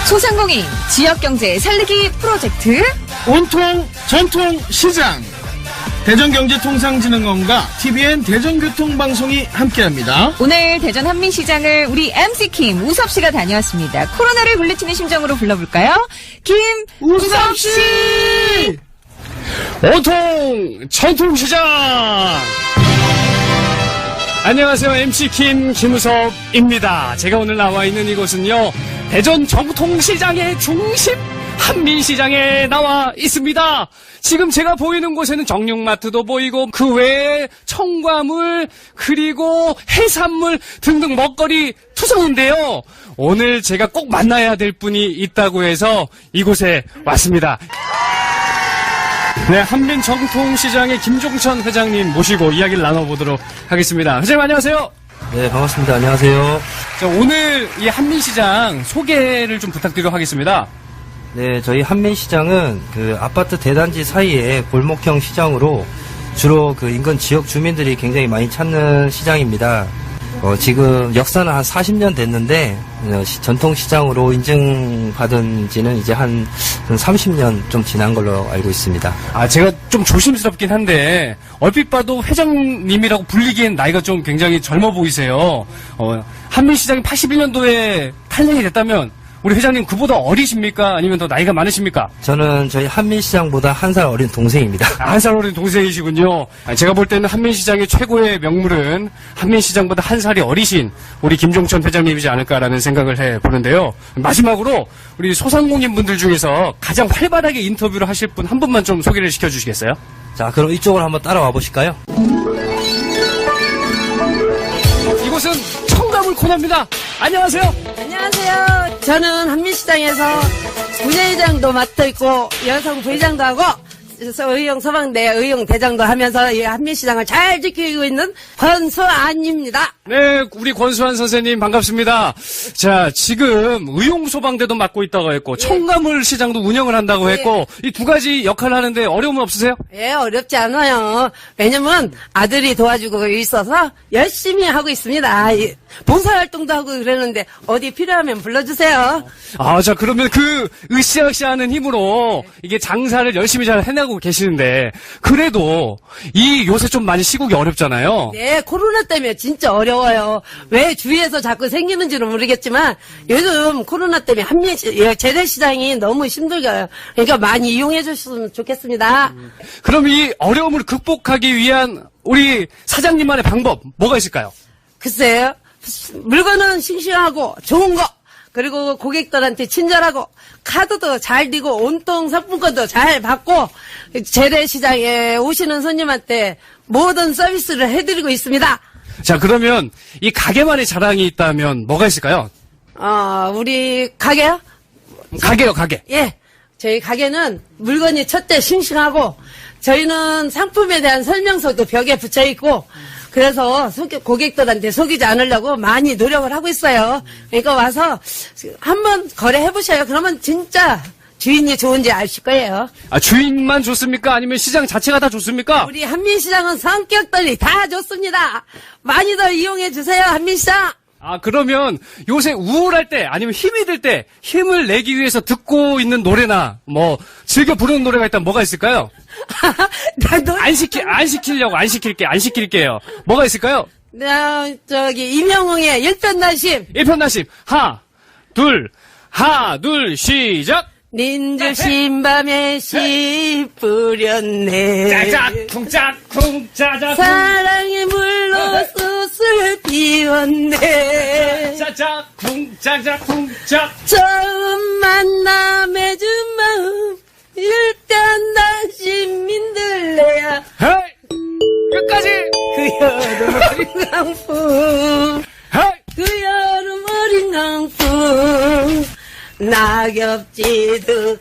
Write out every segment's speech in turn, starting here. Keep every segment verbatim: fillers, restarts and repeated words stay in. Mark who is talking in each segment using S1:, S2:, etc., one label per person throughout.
S1: 소상공인 지역경제 살리기 프로젝트
S2: 온통 전통시장 대전경제통상진흥원과 티비엔 대전교통방송이 함께합니다.
S1: 오늘 대전 한민시장을 우리 엠씨킴 우섭씨가 다녀왔습니다. 코로나를 물리치는 심정으로 불러볼까요? 김 우섭씨!
S3: 온통 전통시장! 안녕하세요. 엠씨킴 김우섭입니다. 제가 오늘 나와 있는 이곳은요, 대전 전통시장의 중심 한민시장에 나와 있습니다. 지금 제가 보이는 곳에는 정육마트도 보이고 그 외에 청과물 그리고 해산물 등등 먹거리 투성인데요. 오늘 제가 꼭 만나야 될 분이 있다고 해서 이곳에 왔습니다. 네, 한민 전통시장의 김종천 회장님 모시고 이야기를 나눠보도록 하겠습니다. 회장님 안녕하세요.
S4: 네, 반갑습니다. 안녕하세요.
S3: 자, 오늘 이 한민시장 소개를 좀 부탁드리도록 하겠습니다.
S4: 네, 저희 한민시장은 그 아파트 대단지 사이에 골목형 시장으로 주로 그 인근 지역 주민들이 굉장히 많이 찾는 시장입니다. 어, 지금 역사는 한 사십 년 됐는데 어, 시, 전통시장으로 인증받은 지는 이제 한, 한 삼십 년 좀 지난 걸로 알고 있습니다.
S3: 아, 제가 좀 조심스럽긴 한데 얼핏 봐도 회장님이라고 불리기엔 나이가 좀 굉장히 젊어 보이세요. 어, 한민시장이 팔십일 년도에 탄생이 됐다면 우리 회장님 그보다 어리십니까? 아니면 더 나이가 많으십니까?
S4: 저는 저희 한민시장보다 한 살 어린 동생입니다.
S3: 아, 한 살 어린 동생이시군요. 제가 볼 때는 한민시장의 최고의 명물은 한민시장보다 한 살이 어리신 우리 김종천 회장님이지 않을까라는 생각을 해보는데요. 마지막으로 우리 소상공인 분들 중에서 가장 활발하게 인터뷰를 하실 분 한 분만 좀 소개를 시켜주시겠어요?
S4: 자, 그럼 이쪽으로 한번 따라와 보실까요?
S3: 이곳은 청가물 코너입니다. 안녕하세요.
S5: 안녕하세요. 저는 한민시장에서 부회장도 맡아있고 여성 부회장도 하고 의용 서방대 의용 대장도 하면서 이 한민시장을 잘 지키고 있는 권수안입니다.
S3: 네, 우리 권수안 선생님 반갑습니다. 자, 지금 의용 소방대도 맡고 있다고 했고
S5: 예.
S3: 청가물 시장도 운영을 한다고 했고 이 두 가지 역할을 하는데 어려움은 없으세요?
S5: 예, 어렵지 않아요. 왜냐면 아들이 도와주고 있어서 열심히 하고 있습니다. 이 봉사활동도 하고 그러는데 어디 필요하면 불러주세요.
S3: 아, 자, 그러면 그 으쌰으쌰 하는 힘으로 이게 장사를 열심히 잘 해나가고 계시는데 그래도 이 요새 좀 많이 시국이 어렵잖아요.
S5: 네, 코로나 때문에 진짜 어려워요. 왜 주위에서 자꾸 생기는지는 모르겠지만 요즘 코로나 때문에 한민 재래시장이 너무 힘들어요. 그러니까 많이 이용해 주셨으면 좋겠습니다.
S3: 음. 그럼 이 어려움을 극복하기 위한 우리 사장님만의 방법 뭐가 있을까요?
S5: 글쎄요. 물건은 싱싱하고 좋은 거, 그리고 고객들한테 친절하고 카드도 잘 되고 온통 상품권도 잘 받고 재래시장에 오시는 손님한테 모든 서비스를 해드리고 있습니다.
S3: 자, 그러면 이 가게만의 자랑이 있다면 뭐가 있을까요?
S5: 어, 우리 가게요?
S3: 가게요, 가게.
S5: 예. 저희 가게는 물건이 첫째 싱싱하고 저희는 상품에 대한 설명서도 벽에 붙여 있고 그래서 속이, 고객들한테 속이지 않으려고 많이 노력을 하고 있어요. 그러니까 와서 한번 거래해 보셔요. 그러면 진짜 주인이 좋은지 아실 거예요.
S3: 아, 주인만 좋습니까? 아니면 시장 자체가 다 좋습니까?
S5: 우리 한민시장은 성격들이 다 좋습니다. 많이들 이용해 주세요. 한민시장.
S3: 아, 그러면 요새 우울할 때 아니면 힘이 들 때 힘을 내기 위해서 듣고 있는 노래나 뭐 즐겨 부르는 노래가 있다면 뭐가 있을까요?
S5: 나 노래
S3: 안 시키 안 시키려고 안 시킬게 안 시킬게요. 뭐가 있을까요?
S5: 나 저기 임영웅의 일편단심.
S3: 일편단심 하나 둘 하나 둘 시작.
S5: 닌주 신밤에 씨 뿌렸네.
S3: 짜작쿵 짝쿵 짜작쿵
S5: 사랑의 물로 숯을 피웠네.
S3: 짜작쿵 짜작쿵 짝.
S5: 처음 만나 맺은 마음 일편단심 민들레야.
S3: 헤이 끝까지.
S5: 그 여름 어린 강풍.
S3: 헤이
S5: 그 여름 어린 강풍. 낙엽지도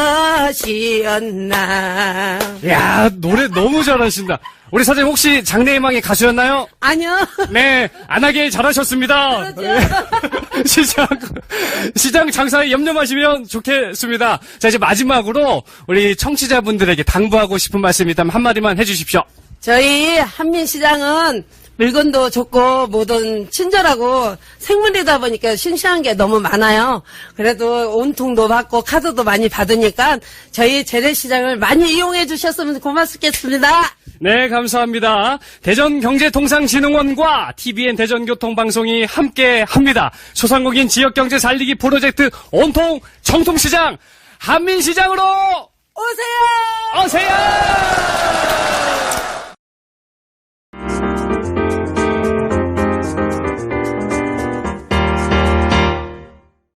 S5: 가시였나.
S3: 야, 노래 너무 잘하신다. 우리 사장님 혹시 장래희망의 가수였나요?
S5: 아니요.
S3: 네, 안 하게 잘하셨습니다.
S5: 그렇죠.
S3: 시장, 시장 장사에 염려 마시면 좋겠습니다. 자, 이제 마지막으로 우리 청취자분들에게 당부하고 싶은 말씀이 있다면 한마디만 해주십시오.
S5: 저희 한민시장은 물건도 좋고 모든 친절하고 생물이다 보니까 싱싱한 게 너무 많아요. 그래도 온통도 받고 카드도 많이 받으니까 저희 재래시장을 많이 이용해 주셨으면 고맙겠습니다.
S3: 네, 감사합니다. 대전경제통상진흥원과 티비엔 대전교통방송이 함께 합니다. 소상공인 지역경제 살리기 프로젝트 온통 정통시장 한민시장으로
S5: 오세요!
S3: 오세요!